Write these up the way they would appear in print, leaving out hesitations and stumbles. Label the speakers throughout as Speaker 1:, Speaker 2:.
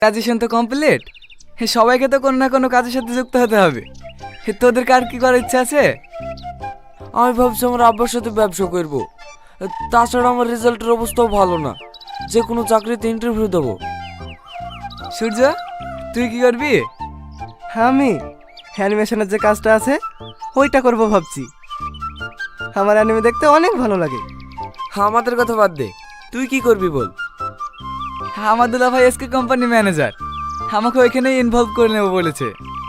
Speaker 1: Graduation তো complete, সবাইকে তো কোনো না কোনো কাজের সাথে যুক্ত হতে হবে। তোদের কার কি করার ইচ্ছা আছে?
Speaker 2: আমি ভাবছি আমার আব্বার সাথে ব্যবসা করব। তাছাড়া আমার রেজাল্টের অবস্থাও ভালো না, যে কোনো চাকরিতে ইন্টারভিউ দেবো।
Speaker 1: সূর্য, তুই কি করবি?
Speaker 3: আমি অ্যানিমেশনের যে কাজটা আছে ওইটা করব ভাবছি। আমার অ্যানিমে দেখতে অনেক ভালো লাগে।
Speaker 2: আমাদের কথা বাদ দে, তুই কি করবি বল।
Speaker 1: আমার দুলা ভাই এসকে কোম্পানি ম্যানেজার, আমাকে ওইখানেই ইনভলভ করে নেবো বলেছে।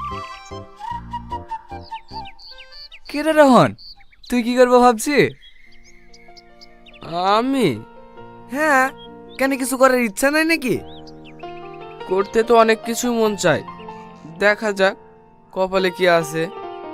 Speaker 1: কে রে রোহন, তুই কি করবো ভাবছি?
Speaker 2: আমি? হ্যাঁ, কেন কিছু করার ইচ্ছা নাই নাকি? করতে তো অনেক কিছু মন চায়, দেখা যাক কপালে কি আছে।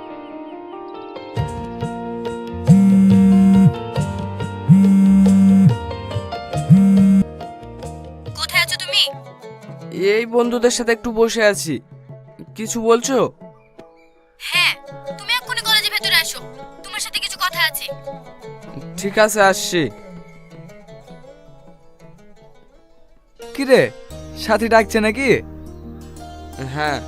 Speaker 4: কোথায় আছো তুমি?
Speaker 2: এই বন্ধুদের সাথে একটু বসে আছি। কিছু বলছো?
Speaker 4: হ্যাঁ, তুমি এক্ষুনি কলেজের ভেতরে আসো, তোমার সাথে কিছু কথা আছে।
Speaker 2: ঠিক আছে, আসছি।
Speaker 1: কি রে, সাথী ডাকছে নাকি?
Speaker 2: হ্যাঁ।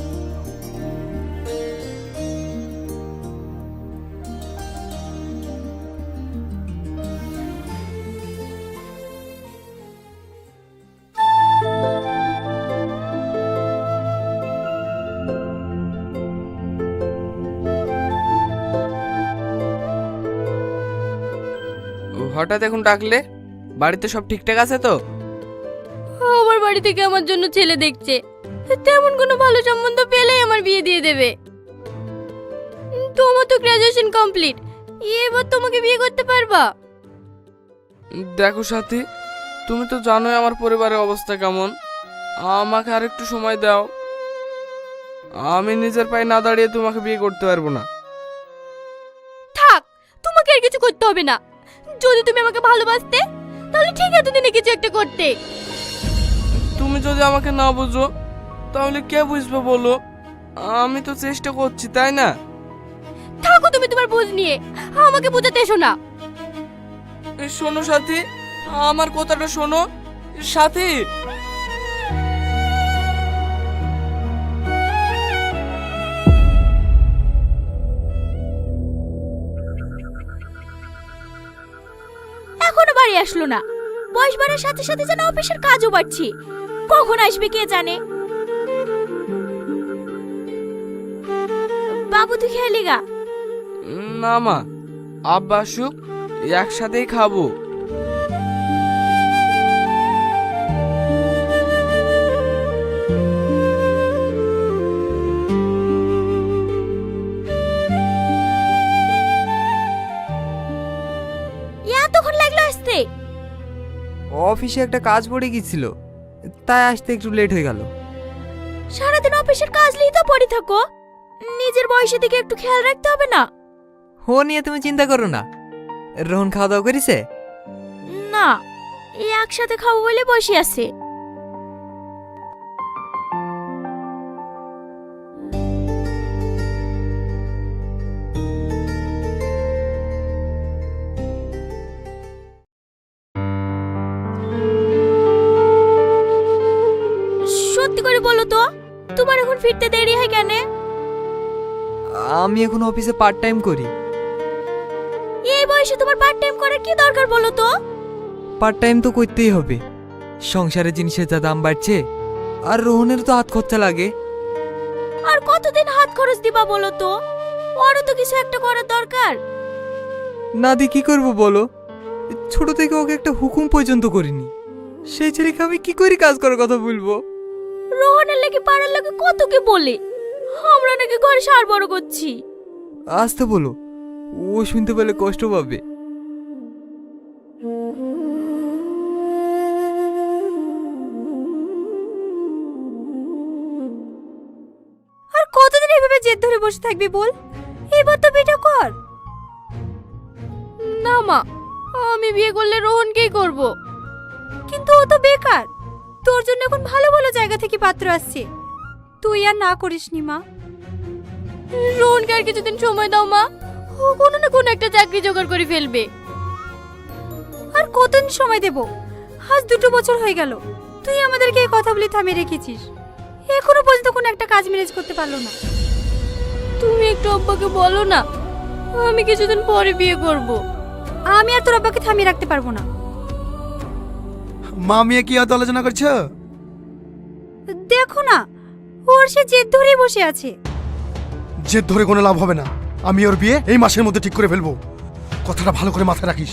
Speaker 2: হঠাৎ এখন ডাকলে? বাড়িতে সব ঠিকঠাক আছে তো?
Speaker 4: আমার বাড়ি থেকে আমার জন্য ছেলে দেখছে, তেমন কোনো ভালো সম্বন্ধ পেলেই আমার বিয়ে দিয়ে দেবে। তোমার তো গ্রাজুয়েশন কমপ্লিট, এবার তোমাকে বিয়ে করতে পারবা?
Speaker 2: দেখো সাথী, তুমি তো জানোই আমার পরিবারের অবস্থা কেমন। আমাকে আর একটু সময় দাও। আমি নিজের পায়ে না দাঁড়িয়ে তোমাকে বিয়ে করতে পারবো না।
Speaker 4: থাক, তোমাকে আর কিছু করতে হবে না। যদি তুমি আমাকে ভালোবাসতে তাহলে ঠিক এতদিনে কিছু একটা করতে।
Speaker 2: তুমি যদি আমাকে না বুঝো তাহলে কে বুঝবে বলো? আমি তো চেষ্টা করছি, তাই না?
Speaker 4: থাকো তুমি তোমার বুঝ নিয়ে, আমাকে বোঝাতে এসো না।
Speaker 2: শোনো সাথী, আমার কথাটা শোনো। সাথী,
Speaker 4: এখনো বাড়ি আসলো না। বয়স বাড়ার সাথে সাথে যেন অফিসের কাজও বাড়ছে। কখন আসবে কে জানে। বাবু তুই খেয়ালি গা।
Speaker 2: না মা, আব্বা আসুক, একসাথেই খাবো।
Speaker 4: এতক্ষণ লাগলো আসতে?
Speaker 3: অফিসে একটা কাজ পড়ে গিয়েছিল, তাই আসতে একটু লেট হয়ে গেল।
Speaker 4: সারাদিন অফিসের কাজ নিয়ে তো পড়ে থাকো, নিজের বয়সের দিকে একটু খেয়াল রাখতে হবে না?
Speaker 3: হো নিয়ে তুমি চিন্তা করো না। রোহন খাওয়া দাওয়া করেছে?
Speaker 4: না, এই একসাথে খাবো বলে বসে আছে। সত্যি করে বলো তো, তোমার এখন ফিরতে দেরি হয় কেন?
Speaker 3: আমি এখন অফিসে পার্ট টাইম করি।
Speaker 4: এই বয়সে তোমার পার্ট টাইম করার কি দরকার বলো তো?
Speaker 3: পার্ট টাইম তো করতেই হবে, সংসারের জিনিসের যা দাম বাড়ছে, আর রোহনের তো হাত খরচা লাগে।
Speaker 4: আর কতদিন হাত খরচ দিবা বলো তো? ওরও তো কিছু একটা করার দরকার।
Speaker 3: না দি কি করব বলো? ছোট থেকে ওকে একটা হুকুম পর্যন্ত করিনি, সেই ছেলেকে আমি কি করে কাজ করার কথা বলবো?
Speaker 4: রোহনের লেগে পাড়ার লোকে কত কি বলে, আমরা নাকি ঘরে সার বড় করছি।
Speaker 3: আসতে বলো, ও শুনতে পেলে কষ্ট পাবে।
Speaker 4: আর কতদিন এভাবে জেদ ধরে বসে থাকবি বল? এবার তো বিয়ে কর। না মা, আমি বিয়ে করলে রোহনকেই করব। কিন্তু ও তো বেকার, তোর জন্য এখন ভালো ভালো জায়গা থেকে পাত্র আসছে, তুই আর না করিস নি মা। রোহনকে আর কিছুদিন সময় দাও মা, ও কোনো না কোনো একটা চাকরি জোগাড় করে ফেলবে। আর কতদিন সময় দেব? আজ 2 বছর হয়ে গেল, তুই আমাদেরকে এই কথা বলে থামিয়ে রেখেছিস, এখনো পর্যন্ত কোনো একটা কাজ ম্যানেজ করতে পারলো না। তুমি একটু আব্বাকে বলো না, আমি কিছুদিন পরে বিয়ে করব। আমি আর তোর আব্বাকে থামিয়ে রাখতে পারবো না।
Speaker 5: মা মেয়ে কি এত আলোচনা করছো?
Speaker 4: দেখো না, ওর সে জেদ ধরেই বসে আছে।
Speaker 5: জেদ ধরে কোনো লাভ হবে না। আমি ওর বিয়ে এই মাসের মধ্যে ঠিক করে ফেলবো। কথাটা ভালো করে মাথায় রাখিস।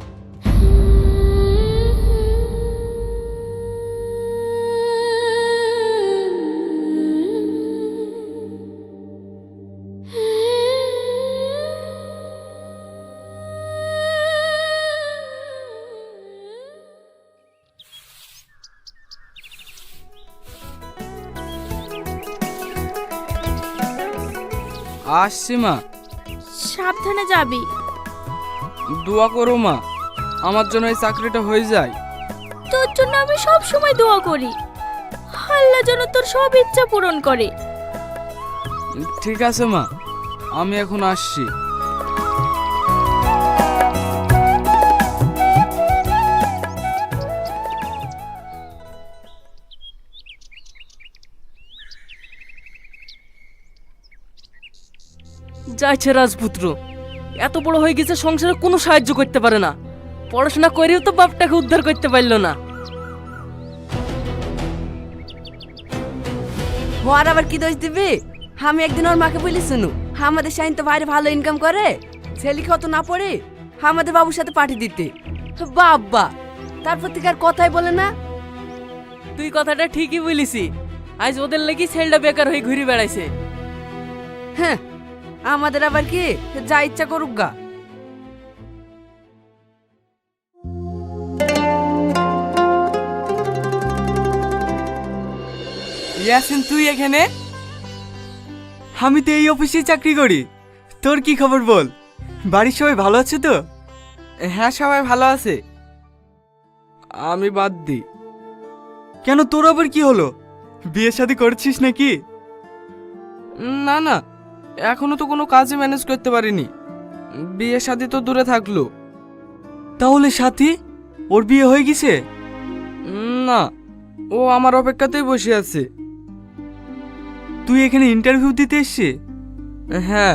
Speaker 2: আসছি মা।
Speaker 4: সাবধানে যাবি।
Speaker 2: দোয়া করো মা, আমার জন্য এই চাকরিটা হয়ে যায়।
Speaker 4: তোর জন্য আমি সব সময় দোয়া করি, আল্লাহ যেন তোর সব ইচ্ছা পূরণ করে।
Speaker 2: ঠিক আছে মা, আমি এখন আসছি।
Speaker 6: যাইছে রাজপুত্র, এত বড় হয়ে গেছে সংসারে কোনো সাহায্য করতে পারে না। পড়াশোনা করেও তো বাপটাকে উদ্ধার করতে পারলো না।
Speaker 7: ওর আবার কি দোষ দিবি? আমি একদিন ওর মাকে বলি, শুনু আমাদের শাহিন তো বাইরে ভালো ইনকাম করে, ছেলে কত না পড়ে আমাদের বাবুর সাথে পাঠিয়ে দিতে। বাবা তারপর থেকে আর কথাই বলে না।
Speaker 6: তুই কথাটা ঠিকই বলিসি, আজ ওদের লাগি ছেলেটা বেকার হয়ে ঘুরে বেড়াইছে।
Speaker 7: হ্যাঁ, আমাদের আবার কি যা ইচ্ছা করুক গা।
Speaker 1: ইয়াসিন, তুই এখানে? আমি তো এই অফিসে চাকরি করি। তোর কি খবর বল? বাড়ির সবাই ভালো আছে তো? হ্যাঁ, সবাই ভালো আছে।
Speaker 2: আমি বাদ দিই।
Speaker 1: কেন, তোর আবার কি হলো? বিয়ে শাদী করছিস নাকি?
Speaker 2: না না, এখনো তো কোনো কাজে ম্যানেজ করতে পারিনি। বিয়ে শাদী তো দূরে থাকলো।
Speaker 1: তাহলে সাথী, ওর বিয়ে হয়ে গেছে?
Speaker 2: না, ও আমার অপেক্ষাতেই বসে আছে।
Speaker 1: তুই এখানে ইন্টারভিউ দিতে এসছিস?
Speaker 2: হ্যাঁ।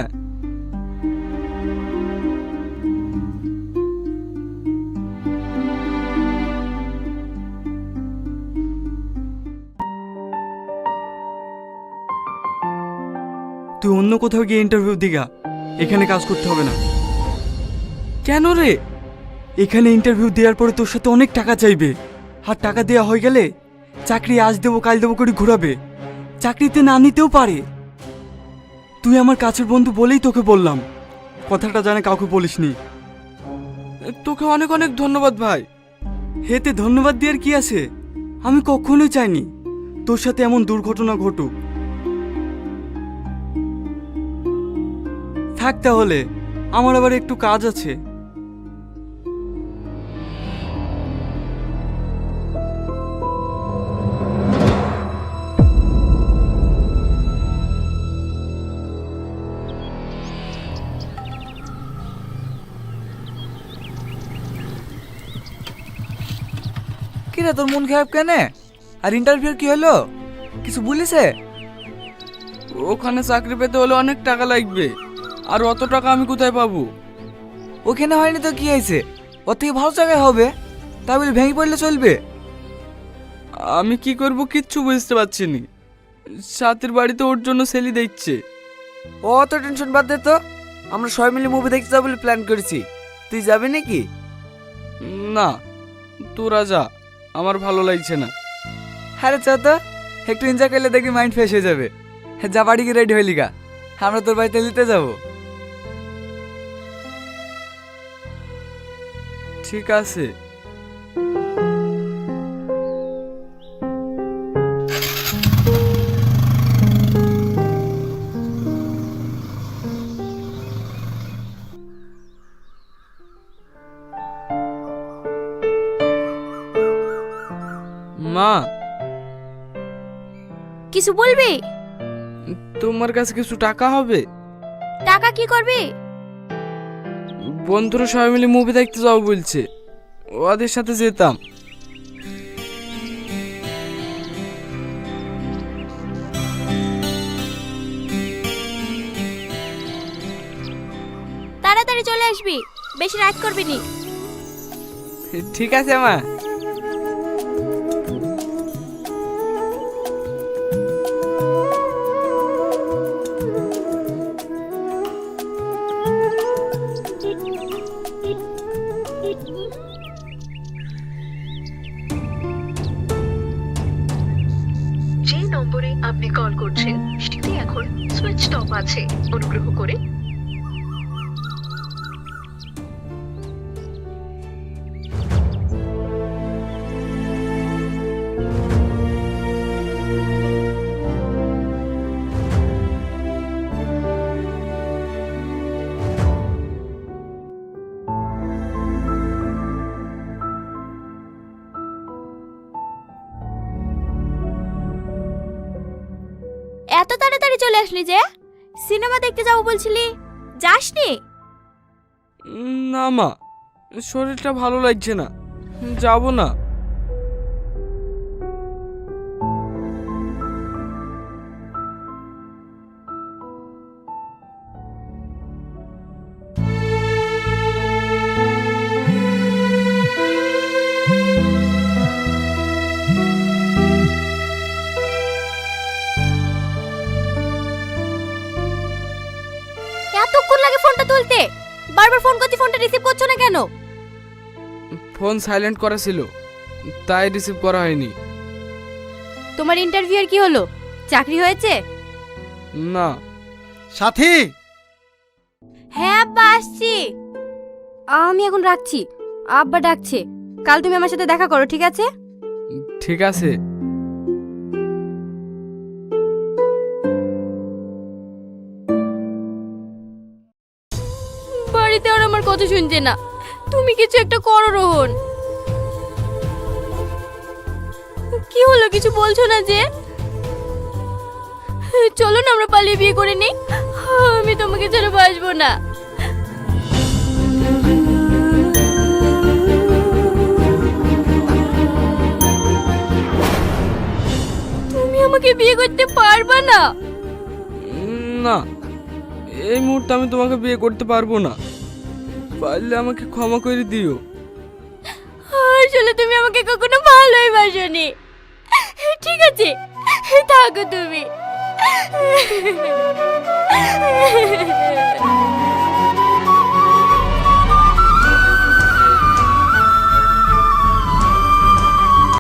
Speaker 1: তুই অন্য কোথাও গিয়ে ইন্টারভিউ দিগা, এখানে কাজ করতে হবে না।
Speaker 2: কেন রে?
Speaker 1: এখানে ইন্টারভিউ দেওয়ার পরে তোর সাথে অনেক টাকা চাইবে, আর টাকা দেওয়া হয়ে গেলে চাকরি আজ দেবো কাল দেবো করে ঘুরাবে, চাকরিতে না নিতেও পারে। তুই আমার কাছের বন্ধু বলেই তোকে বললাম, কথাটা জানে কাউকে বলিসনি।
Speaker 2: তোকে অনেক অনেক ধন্যবাদ ভাই।
Speaker 1: হেতে ধন্যবাদ দেওয়ার কি আছে? আমি কখনোই চাইনি তোর সাথে এমন দুর্ঘটনা ঘটুক। থাক তাহলে, আমার আবার একটু কাজ আছে।
Speaker 8: কিরে, তোর মন খারাপ কেন? আর ইন্টারভিউ কি হলো? কিছু বলিছে?
Speaker 2: ওখানে চাকরি পেতে হলে অনেক টাকা লাগবে, আর অত টাকা আমি কোথায় পাবো?
Speaker 8: ওখানে হয়নি তো কি হয়েছে? ওর থেকে ভালো জায়গায় হবে, তাই বলে ভেঙে পড়লে চলবে?
Speaker 2: আমি কি করব কিচ্ছু বুঝতে পারছি নি। সাথীর বাড়িতে ওর জন্য সেলি দেখছে।
Speaker 8: ও অত টেনশন বাদ দে তো, আমরা সবাই মিলে মুভি দেখতে যাবো বলে প্ল্যান করেছি। তুই যাবি নাকি?
Speaker 2: না, তোরা যা, আমার ভালো লাগছে না।
Speaker 8: হ্যাঁ চ তো, একটু এনজয় করলে দেখবি মাইন্ড ফ্রেশ হয়ে যাবে। যা বাড়ি গিয়ে রেডি হইলি গা, আমরা তোর বাড়িতে নিতে যাবো।
Speaker 2: ঠিক আছে। মা,
Speaker 4: কিছু বলবি?
Speaker 2: তোমার কাছে কিছু টাকা হবে?
Speaker 4: টাকা কি করবি?
Speaker 2: বন্ধুরা সবাই মিলে মুভি দেখতে যাবো বলছে, ওদের সাথে যেতাম।
Speaker 4: আসবি, বেশি রাত করবি নি।
Speaker 2: ঠিক আছে মা।
Speaker 9: যে নম্বরে আপনি কল করছেন সেটি এখন সুইচ অফ আছে, অনুগ্রহ করে
Speaker 4: এত তাড়াতাড়ি চলে আসলি যে? সিনেমা দেখতে যাবো বলছিলি, যাসনি?
Speaker 2: না মা, শরীরটা ভালো লাগছে না, যাব না।
Speaker 4: এতক্ষণ লাগে ফোনটা তুলতে, বারবার ফোন করছি, ফোনটা রিসিভ করছো না কেন?
Speaker 2: ফোন সাইলেন্ট করা ছিল, তাই রিসিভ করা হয়নি।
Speaker 4: তোমার ইন্টারভিউ এর কি হলো? চাকরি হয়েছে?
Speaker 2: না।
Speaker 5: সাথী,
Speaker 4: হ্যাঁ আব্বা, আসছি। আমি এখন রাখছি, আব্বা ডাকছে। কাল তুমি আমার সাথে দেখা করো, ঠিক আছে?
Speaker 2: ঠিক আছে।
Speaker 4: বাড়িতে আর আমার কথা শুনছে না। তুমি কিছু একটা করো রোহন। কি হলো, কিছু বলছো না যে? চলো না আমরা পালিয়ে বিয়ে করে নিই, আমি তোমাকে ছেড়ে বাঁচবো না। তুমি আমাকে বিয়ে করতে পারবা না?
Speaker 2: না, এই মুহূর্তে আমি তোমাকে বিয়ে করতে পারবো না, পারলে আমাকে ক্ষমা করে দিও।
Speaker 4: আসলে তুমি আমাকে কখনো ভালোই বাসনি। ঠিক আছে, থাকো তুমি।